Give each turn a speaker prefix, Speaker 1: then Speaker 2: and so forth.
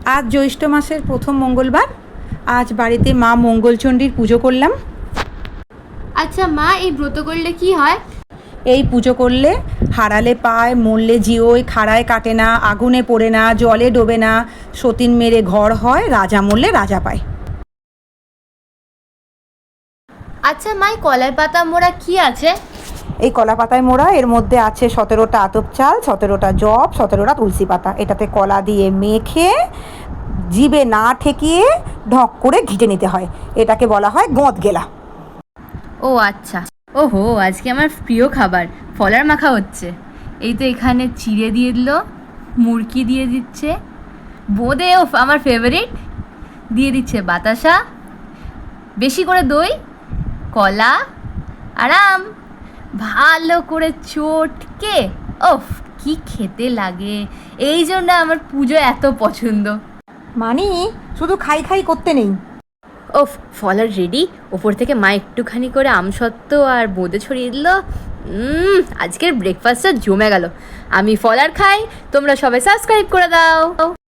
Speaker 1: আজ জ্যৈষ্ঠ মাসের প্রথম মঙ্গলবার। আজ বাড়িতে মা মঙ্গলচণ্ডীর পুজো করলাম।
Speaker 2: আচ্ছা মা, এই ব্রত করলে কি হয়?
Speaker 1: এই পুজো করলে হারালে পায়, মরলে জিওয়, খাড়ায় কাটে না, আগুনে পড়ে না, জলে ডোবে না, সতীন মেরে ঘর হয়, রাজা মরলে রাজা পায়।
Speaker 2: আচ্ছা মা, এই কলাই পাতা মোড়া কি আছে?
Speaker 1: এই কলা পাতায় মোড়া, এর মধ্যে আছে 17টা আতপ চাল, 17টা জব, 17টা তুলসী পাতা। এটাতে কলা দিয়ে মেখে জিভে না ঠেকিয়ে ঢক করে ঘিটে নিতে হয়। এটাকে বলা হয় গোঁদ গেলা।
Speaker 2: ও আচ্ছা। ওহো, আজকে আমার প্রিয় খাবার ফলার মাখা হচ্ছে। এই তো এখানে চিড়ে দিয়ে দিল, মুরকি দিয়ে দিচ্ছে, বোঁদে ওফ আমার ফেভারিট, দিয়ে দিচ্ছে বাতাসা, বেশি করে দই, কলা আর আম, ভালো করে চটকে ওফ কি খেতে লাগে। এই জন্য আমার পুজো এত পছন্দ।
Speaker 1: মানে শুধু খাই খাই করতে নেই।
Speaker 2: ওফ, ফলার রেডি। ওপর থেকে মা একটুখানি করে আমসত্ত্ব আর বোঁদে ছড়িয়ে দিল। আজকের ব্রেকফাস্টটা জমে গেল। আমি ফলার খাই, তোমরা সবাই সাবস্ক্রাইব করে দাও।